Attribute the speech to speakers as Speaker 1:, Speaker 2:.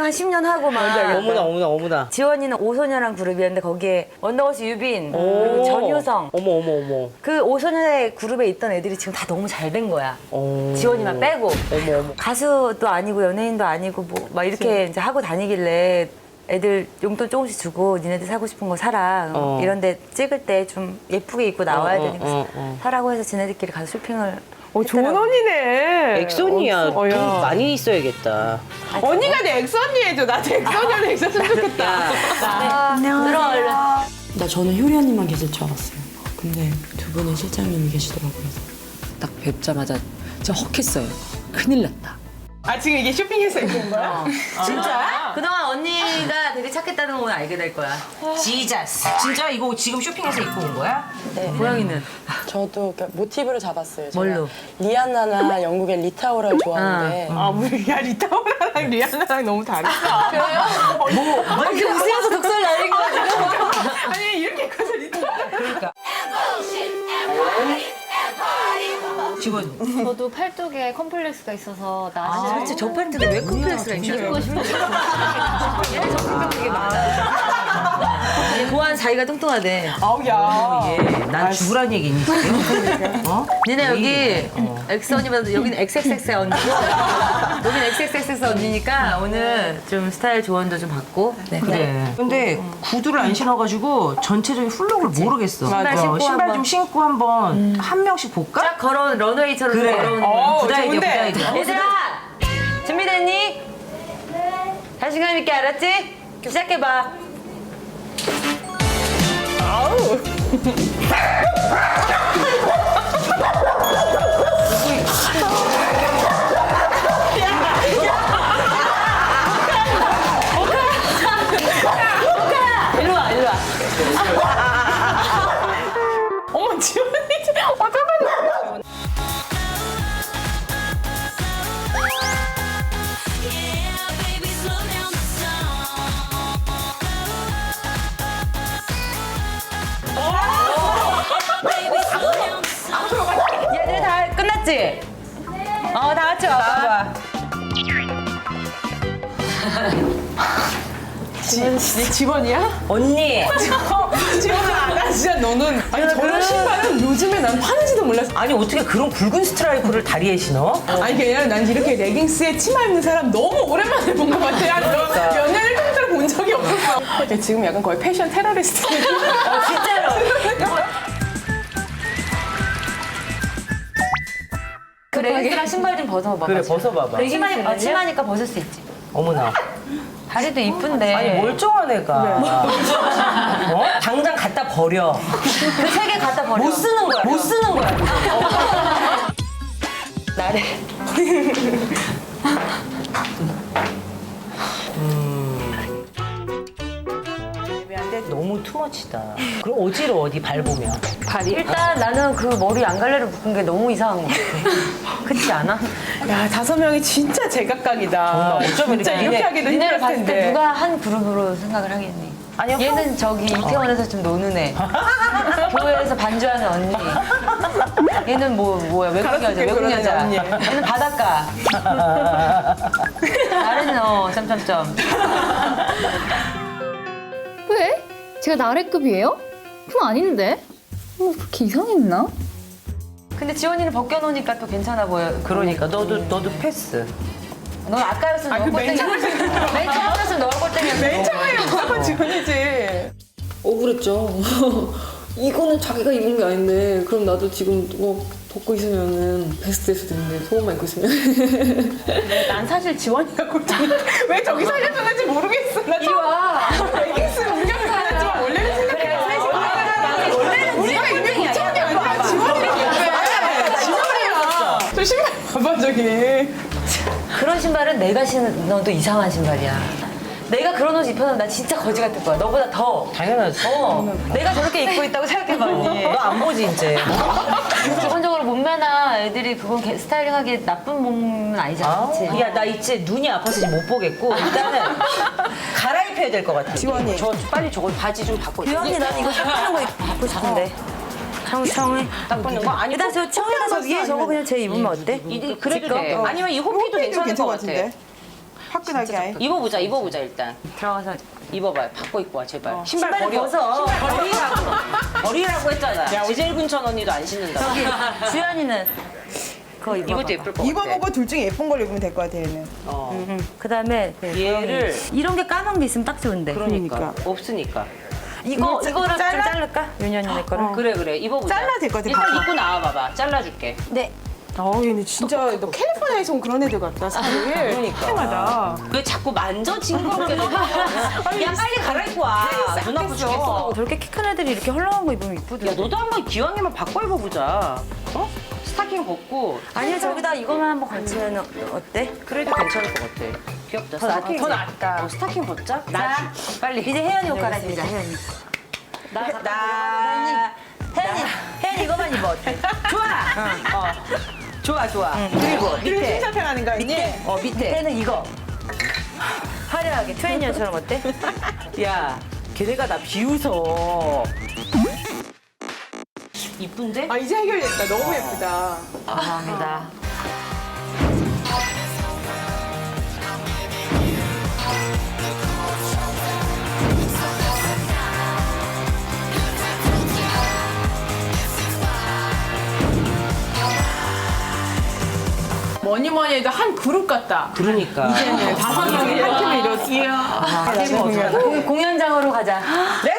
Speaker 1: 한 10년 하고 막.
Speaker 2: 어머나 어머나 어머나.
Speaker 1: 지원이는 오소녀란 그룹이었는데 거기에 원더걸스 유빈 그리고 전효성.
Speaker 2: 어머 어머 어머.
Speaker 1: 그 오소녀의 그룹에 있던 애들이 지금 다 너무 잘 된 거야. 지원이만 빼고.
Speaker 2: 어머 어머.
Speaker 1: 가수도 아니고 연예인도 아니고 뭐 막 이렇게 이제 하고 다니길래 애들 용돈 조금씩 주고 니네들 사고 싶은 거 사라. 이런데 찍을 때 좀 예쁘게 입고 나와야 되니까 사라고 해서 지네들끼리 가서 쇼핑을.
Speaker 3: 좋은 언니네.
Speaker 2: 엑소니야. 돈
Speaker 3: 야.
Speaker 2: 많이 있어야겠다.
Speaker 3: 언니가 내 엑소니 해줘. 나도 엑소니한테 있었으면 좋겠다.
Speaker 1: 들어 얼른.
Speaker 4: 나 저는 효리 언니만 계실 줄 알았어요. 근데 두 분의 실장님이 계시더라고요. 딱 뵙자마자 진짜 헉했어요. 큰일 났다.
Speaker 3: 아, 지금 이게 쇼핑해서 입고 온 거야?
Speaker 1: 진짜? 그동안 언니가 되게 착했다는 거 오늘 알게 될 거야.
Speaker 2: 지자스. 진짜 이거 지금 쇼핑해서 입고 온 거야?
Speaker 1: 고양이는?
Speaker 4: 저도 모티브를 잡았어요. 제가
Speaker 1: 뭘로?
Speaker 4: 리안나나 영국의 리타오라를 좋아하는데
Speaker 3: 야, 리타오라랑 리아나랑 너무 다르다.
Speaker 1: 이렇게 웃으면서 독설 날린 거 같아.
Speaker 3: 아니, 이렇게 커서 리타오라.
Speaker 2: 직원.
Speaker 5: 저도 팔뚝에 컴플렉스가 있어서 나중에
Speaker 1: 그렇지, 저 팔뚝에 왜 컴플렉스가 있나?
Speaker 5: 주고 싶은데
Speaker 1: 얘는 정신병 되게 많아. 얘 보안 자기가 뚱뚱하대.
Speaker 3: 아우, 야.
Speaker 2: 난 죽으란 얘기 있니 지금? 어?
Speaker 1: 니네 여기 엑스 언니보다 여기는 XXX 언니고 여기는 XXX 언니니까 오늘 좀 스타일 조언도 좀 받고. 네.
Speaker 2: 그래. 근데 구두를 안 신어가지고 전체적인 플록을 모르겠어.
Speaker 1: 신발 신고
Speaker 2: 신발
Speaker 1: 한번.
Speaker 2: 좀 신고 한번 한 명씩 볼까?
Speaker 1: 쫙 걸어온 러너웨이처럼
Speaker 2: 그래.
Speaker 1: 걸어오는
Speaker 2: 부다이디어
Speaker 3: 좋은데.
Speaker 2: 부다이디어.
Speaker 1: 얘들아! 준비됐니? 네. 자신감 있게 알았지? 시작해봐. 일로 와, 일로 와.
Speaker 3: 어머, 지원이 어떡하냐.
Speaker 1: 얘들 다 끝났지? 다 같이 와봐.
Speaker 3: 내 직원이야?
Speaker 2: 언니.
Speaker 3: 지원아, 나 진짜 너는. 아니, 저런 신발은 요즘에 난 파는지도 몰랐어.
Speaker 2: 아니 어떻게 그런 굵은 스트라이프를 다리에 신어?
Speaker 3: 아니, 그게 아니라 난 이렇게 레깅스에 치마 입는 사람 너무 오랜만에 본 것 같아. 한 몇 년을 통째로 본 적이 없었어. 근데 지금 약간 거의 패션 테러리스트.
Speaker 1: 진짜로. 그 레깅스랑 신발 좀 벗어봐.
Speaker 2: 그래 벗어봐봐.
Speaker 1: 치마니까 벗을 수 있지.
Speaker 2: 어머나.
Speaker 1: 다리도 이쁜데.
Speaker 2: 아니 멀쩡한 애가. 어? 당장 갖다 버려.
Speaker 1: 그 세 개 갖다 버려.
Speaker 2: 못 쓰는 거야. 못 쓰는 거야.
Speaker 1: 나래.
Speaker 2: 애매한데 너무 투머치다. 그럼 어지러워 어디 밟으면.
Speaker 1: 일단 나는 그 머리 안갈래를 묶은 게 너무 이상한 것 같아. 그렇지 않아?
Speaker 3: 야, 5명이 진짜 제각각이다.
Speaker 2: 정말 어쩌면
Speaker 3: 진짜
Speaker 2: 이렇게
Speaker 3: 이렇게 하기도
Speaker 1: 니네를
Speaker 3: 힘들
Speaker 1: 봤을 때
Speaker 3: 텐데.
Speaker 1: 누가 한 그룹으로 생각을 하겠니?
Speaker 2: 아니요.
Speaker 1: 얘는 저기 이태원에서 좀 노는 애. 교회에서 반주하는 언니. 얘는 뭐야 외국 여자,
Speaker 3: 가로수길
Speaker 1: 외국
Speaker 3: 걸어다니는
Speaker 1: 여자.
Speaker 3: 언니.
Speaker 1: 얘는 바닷가. 나는 점점점.
Speaker 5: 왜? 제가 나래급이에요? 그건 아닌데 그렇게 이상했나?
Speaker 1: 근데 지원이는 벗겨놓으니까 또 괜찮아 보여.
Speaker 2: 그러니까 너도 패스.
Speaker 1: 넌 아까였으면
Speaker 3: 아,
Speaker 1: 너무
Speaker 3: 그 맨
Speaker 1: 꼴등이었어. 맨 처음이었으면 너가 꼴등이었어.
Speaker 3: 맨 처음에 무조건 지원이지.
Speaker 4: 억울했죠. 이거는 자기가 입은 게 아닌데 그럼 나도 지금 벗고 있으면은 베스트 될 수도 있는데 속옷만 입고 있으면
Speaker 3: 난 사실 지원이가 꼴등이야. 왜 저기 살려줬는지 모르겠어. 나
Speaker 1: 이리 와.
Speaker 3: 레깅스 운영을 잘했지만 원래는 생각해. 원래는 우리가 이미 고쳐온 게 아니라 지원이라고 그래. 지원이야. 저 신발 봐봐 저기.
Speaker 1: 그런 신발은 내가 신어도 이상한 신발이야. 내가 그런 옷 입혀서 나 진짜 거지 같을 거야. 너보다 더.
Speaker 2: 당연하지.
Speaker 1: 내가 저렇게 입고 있다고 생각해봐.
Speaker 2: 너 안 보지 이제.
Speaker 1: 기본적으로 몸매나 애들이 그건 스타일링하기 나쁜 몸은 아니잖아. 그치?
Speaker 2: 야, 나 이제 눈이 아파서 지금 못 보겠고 일단은 갈아입혀야 될 것 같아. 지원이. 저 빨리 저거 바지 좀 바꿔.
Speaker 1: 주연이 난 이거 딱 거 입고 싶은데. 청이.
Speaker 2: 딱 보는 거 아니.
Speaker 1: 일단 저 청이가 저 위에 저거 그냥 제 입으면 어때?
Speaker 2: 그래도 돼. 아니면 이 호피도 괜찮을 것 같아.
Speaker 3: 화끈하게 아예.
Speaker 2: 입어보자 일단.
Speaker 1: 들어가서
Speaker 2: 입어봐요. 바꿔 입고 와 제발. 신발
Speaker 1: 신발을
Speaker 2: 버려.
Speaker 1: 벗어.
Speaker 2: 신발 버리라고 했잖아. 지젤군천 언니도 안 신는다고.
Speaker 1: 저기 주연이는 그거 입어봐.
Speaker 2: 이것도 예쁠 것 같아.
Speaker 3: 입어보고 둘 중에 예쁜 걸 입으면 될 것 같아 얘는.
Speaker 1: 그다음에
Speaker 2: 얘를
Speaker 1: 이런 게 까만 게 있으면 딱 좋은데.
Speaker 2: 그러니까 없으니까.
Speaker 1: 이거를 좀
Speaker 3: 잘라?
Speaker 1: 자를까? 윤현이네 거를.
Speaker 2: 그래 입어보자.
Speaker 3: 잘라도 될것 같아,
Speaker 2: 일단
Speaker 3: 봐봐.
Speaker 2: 입고 나와봐봐. 잘라줄게.
Speaker 1: 네.
Speaker 3: 얘는 진짜 너 캘리포니아에서 온 그런 애들 같다 살을.
Speaker 2: 그러니까.
Speaker 3: 해마다.
Speaker 2: 왜 자꾸 만져 징그럽게 야 빨리 갈아입고 와. 눈 아프 죽겠어.
Speaker 1: 저렇게 키 큰 애들이 이렇게 헐렁한 거 입으면 이쁘더라.
Speaker 2: 야 너도 한번 기왕이면 바꿔 입어보자. 어? 스타킹 벗고.
Speaker 1: 아니요 저기다 이거만 한번 걸치면 어때?
Speaker 2: 그래도 괜찮을 것 같아. 귀엽다. 스타킹.
Speaker 3: 더 낫다.
Speaker 2: 스타킹 벗자.
Speaker 1: 자,
Speaker 2: 빨리.
Speaker 1: 이제 혜연이 옷 갈아입자. 혜연이. 혜연이 이거만 입어 어때?
Speaker 2: 좋아. 그리고
Speaker 3: 그리고
Speaker 2: 밑에.
Speaker 3: 신사평 하는 거 아니니?
Speaker 1: 밑에는 이거. 화려하게 트레이너처럼 어때?
Speaker 2: 야, 걔네가 나 비웃어. 이쁜데?
Speaker 3: 아 이제 해결됐다. 너무 예쁘다.
Speaker 1: 감사합니다.
Speaker 3: 뭐니 해도 한 그룹 같다.
Speaker 2: 그러니까.
Speaker 3: 이제는 5명이 한 팀을 이뤘어.
Speaker 1: 공연장으로 가자.
Speaker 2: 네?